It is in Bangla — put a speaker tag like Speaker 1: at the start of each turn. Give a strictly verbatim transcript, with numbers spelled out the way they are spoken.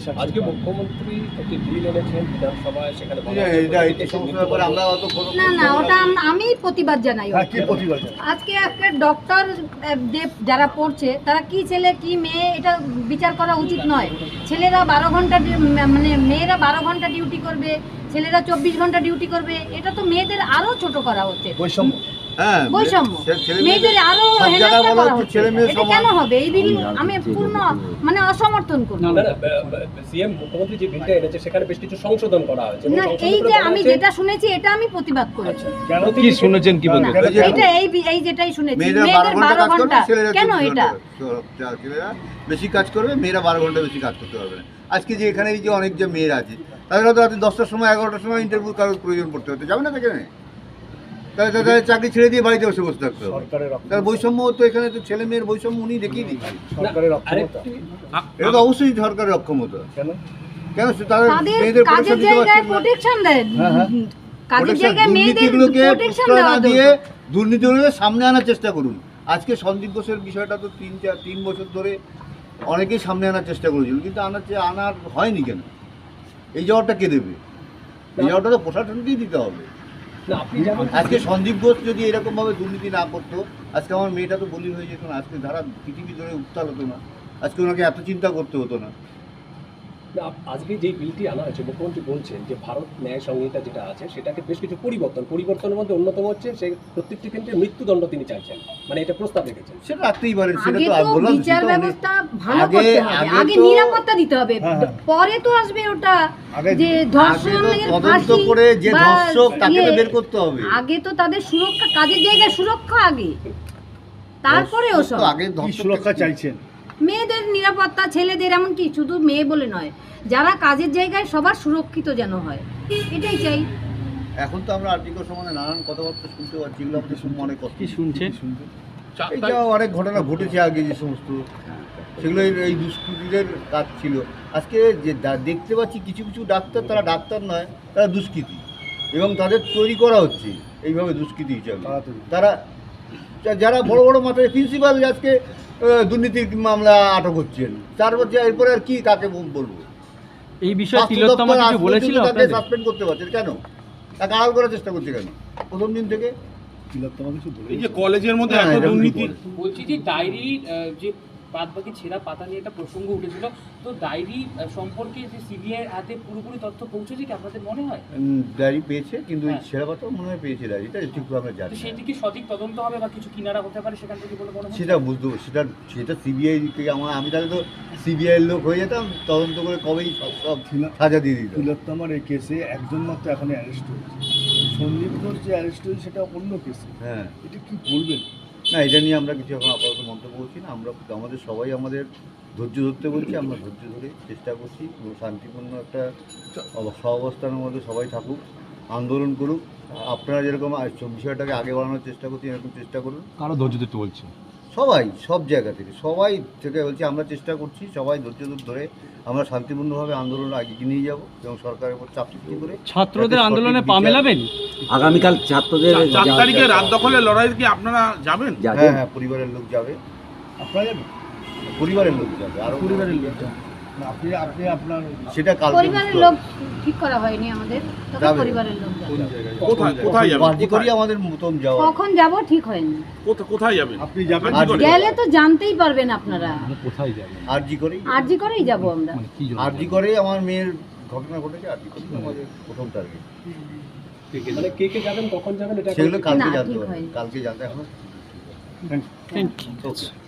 Speaker 1: আজকে মুখ্যমন্ত্রী একটি বিল এনেছেন বিধানসভায়, সেখানে
Speaker 2: না না ওটা আম- আমি প্রতিবাদ জানাই। আজকে একটা ডক্টর যারা পড়ছে তারা কি ছেলে কি মেয়ে এটা বিচার করা উচিত নয়। ছেলেরা বারো ঘন্টা ডি- মানে মেয়েরা বারো ঘন্টা ডিউটি করবে, ছেলেরা চব্বিশ ঘন্টা ডিউটি করবে, এটা তো মেয়েদের আরো ছোট করা হচ্ছে, বৈষম্য। মেয়েদের আরো হেনস্থা করা হচ্ছে, এটা কেন হবে? এই বিল আমি পূর্ণ মানে অসমর্থন করি।
Speaker 1: সিএম মুখ্যমন্ত্রী যে বিলটা এনেছে সেখানে বেশ কিছু সংশোধন করা হয়েছে।
Speaker 2: না এই যে আমি যেটা শুনেছি এটা আমি প্রতিবাদ করেছি।
Speaker 1: কেন কি শুনেছেন কি বলবেন?
Speaker 2: এটা এই এই যেটাই শুনেছি মেয়েদের বারো ঘন্টা কেন এটা
Speaker 3: ছেলেরা বেশি কাজ করবে, মেয়েরা বারো ঘন্টা বেশি কাজ করতে পারবে না। আজকে যে এখানে এই যে অনেক যে মেয়েরা আছে তাদের হয়তো রাতে দশটার সময় এগারোটার সময় ইন্টারভিউ কারোর প্রয়োজন পড়তে হতে যাবে না সেখানে, তাহলে তাদের চাকরি ছেড়ে দিয়ে বাড়িতে বসে বসে থাকতে হবে। তার বৈষম্য তো এখানে তো ছেলে মেয়ের বৈষম্য উনি দেখিয়ে দিচ্ছেন। এটা তো অবশ্যই সরকারের অক্ষমতা। কেন কেন তাদের মেয়েদের
Speaker 2: কাজের জায়গায় প্রোটেকশন দেন, কাজের জায়গায় মেয়েদের প্রোটেকশন দেওয়া
Speaker 3: দিয়ে দুর্নীতিগুলোকে সামনে আনার চেষ্টা করুন। আজকে সন্দীপ ঘোষের বিষয়টা তো তিন চার তিন বছর ধরে অনেকেই সামনে আনার চেষ্টা করেছিল, কিন্তু আনার আনার হয়নি কেন? এই জবাবটা কে দেবে? এই জবাবটা তো প্রশাসনকেই দিতে হবে। আজকে সন্দীপ ঘোষ যদি এরকমভাবে দুর্নীতি না করতো, আজকে আমার মেয়েটা তো বলি হয়ে যেত না, আজকে ধারা পৃথিবী ধরে উত্তাল হতো না, আজকে ওনাকে এত চিন্তা করতে হতো না।
Speaker 1: আজকে যে বিলটি আনা হয়েছে মুখ্যমন্ত্রী বলছেন যে ভারত ন্যায় সংহিতা যেটা আছে সেটাকে বেশ কিছু পরিবর্তন পরিবর্তনের মধ্যে অন্যতম হচ্ছে সেই প্রত্যেকটি ক্ষেত্রে মৃত্যুদণ্ড তিনি চাইছেন, মানে এটা প্রস্তাব রেখেছেন।
Speaker 3: সেটা রাখতেই পারেন, সেটা
Speaker 2: আগে
Speaker 3: তো
Speaker 2: তো
Speaker 3: বললাম
Speaker 2: বিচার ব্যবস্থা ভালো করতে হবে, আগে নিরাপত্তা দিতে হবে, পরে তো আসবে ওটা যে ধর্ষণের
Speaker 3: তদন্ত করে যে ধর্ষক তাকে তো বের করতে হবে।
Speaker 2: আগে তো তাদের সুরক্ষা, কাজের জায়গায় সুরক্ষা আগে, তারপরে ওসব।
Speaker 3: আগে সুরক্ষা চাইছেন
Speaker 2: মেয়েদের নিরাপত্তা, ছেলেদের, এমনকি শুধু মেয়ে বলে নয়, যারা কাজের জায়গায় সবার সুরক্ষিত যেন হয়, এটাই চাই।
Speaker 3: এখন তো আমরা আর্টিকেল সম্বন্ধে নানান কথাবার্তা শুনতে পাচ্ছি, এগুলো আমাদের শুনে অনেক কষ্ট।
Speaker 4: কি শুনছেন?
Speaker 3: এইটা অনেক ঘটনা ঘটেছে আগে যে সমস্ত, সেগুলো এই দুষ্কৃতীদের কাজ ছিল। আজকে যে দেখতে পাচ্ছি কিছু কিছু ডাক্তার, তারা ডাক্তার নয়, তারা দুষ্কৃতী, এবং তাদের তৈরি করা হচ্ছে এইভাবে দুষ্কৃতী হিসাবে। তারা যারা বড় বড় মাথায় প্রিন্সিপাল আজকে দুর্নীতির মামলা আটক হচ্ছেন, তার মধ্যে এরপরে আর কি কাকে বলবো?
Speaker 4: এই বিষয়ে তিলোত্তমা কিছু বলেছিল আপনাদের?
Speaker 3: সাসপেন্ড করতে পারছেন কেন? তাকে আড়াল করার চেষ্টা করছে কেন প্রথম দিন থেকে? তিলোত্তমা কিছু বলে এই যে কলেজের মধ্যে এত দুর্নীতি,
Speaker 5: বলছি যে ডায়েরি যে বাদ বাকি ছেঁড়া পাতা নিয়ে একটা প্রসঙ্গ উঠেছিল, তো ডায়েরি সম্পর্কে যে সিবিআই এর হাতে পুরোপুরি তথ্য পৌঁছেছে কি আপনাদের মনে হয়?
Speaker 3: ডায়েরি পেয়েছে, কিন্তু ছেঁড়া পাতা মনে হয় পেয়েছে, ডায়েরিটা ঠিক আমরা জানি।
Speaker 5: সেটি কি সঠিক তদন্ত হবে বা কিছু কিনারা হতে পারে সেখান থেকে বলে মনে হয়?
Speaker 3: সেটা বুঝতে সেটা সেটা সিবিআই থেকে আমার, আমি তাহলে তো সিবিআই এর লোক হয়ে যেতাম, তদন্ত করে কবেই সব সব সাজা দিয়ে দিত।
Speaker 6: তিলোত্তমার এই কেসে একজন মাত্র এখন অ্যারেস্ট হয়েছে, সন্দীপ ঘোষ যে অ্যারেস্ট হয়েছে সেটা অন্য কেসে।
Speaker 3: হ্যাঁ,
Speaker 6: এটা কি বলবেন?
Speaker 3: না, এটা নিয়ে আমরা কিছু এখন আপাতত মন্তব্য করছি না। আমরা আমাদের সবাই আমাদের ধৈর্য ধরতে বলছি, আমরা ধৈর্য ধরে চেষ্টা করছি এবং শান্তিপূর্ণ একটা সহাবস্থানের মধ্যে সবাই থাকুক, আন্দোলন করুক। আপনারা যেরকম বিষয়টাকে আগে বাড়ানোর চেষ্টা করছি, এরকম চেষ্টা করুন।
Speaker 4: কারো ধৈর্য ধরতে বলছে
Speaker 3: সবাই, সব জায়গা থেকে সবাই থেকে বলছি, আমরা চেষ্টা করছি সবাই ধৈর্য ধরে আমরা শান্তিপূর্ণভাবে আন্দোলন এগিয়ে নিয়ে যাব এবং সরকারের উপর চাপ সৃষ্টি করে
Speaker 4: ছাত্রদের আন্দোলনে পা মেলাবেন।
Speaker 7: আগামীকাল ছাত্রদের
Speaker 8: চার তারিখে রাত দখলের লড়াই কি আপনারা যাবেন?
Speaker 3: হ্যাঁ হ্যাঁ, পরিবারের লোক যাবে। আপনারা যাবেন? পরিবারের লোক যাবে, আরো
Speaker 6: পরিবারের লোক যাবে। আপনি আপনি আপনার
Speaker 3: সেটা কাল
Speaker 2: পরিবারের লোক ঠিক করা হয়নি আমাদের, তবে পরিবারের লোক যাবে।
Speaker 8: কোথায় কোথায় যাবেন?
Speaker 3: বাজি করি আমাদের মতন যাওয়া।
Speaker 2: কখন যাব ঠিক হয়নি।
Speaker 8: কোথায় যাবেন?
Speaker 6: আপনি যাবেন?
Speaker 2: গেলে তো জানতেই পারবেন আপনারা।
Speaker 4: কোথায় যাবেন?
Speaker 3: আরজি করেই
Speaker 2: আরজি করেই যাব আমরা।
Speaker 3: আরজি করেই আমার মেয়ের ঘটনা ঘটেছে, আরজি করেই আমাদের প্রথম টার্গেট।
Speaker 1: মানে কে কে যাবেন, কখন যাবেন, এটা
Speaker 3: সেগুলো কালকে
Speaker 2: না,
Speaker 3: জানতে
Speaker 2: ঠিক
Speaker 3: হবে,
Speaker 2: হয়নি।
Speaker 3: কালকে জানতে এখন।
Speaker 4: Thank you.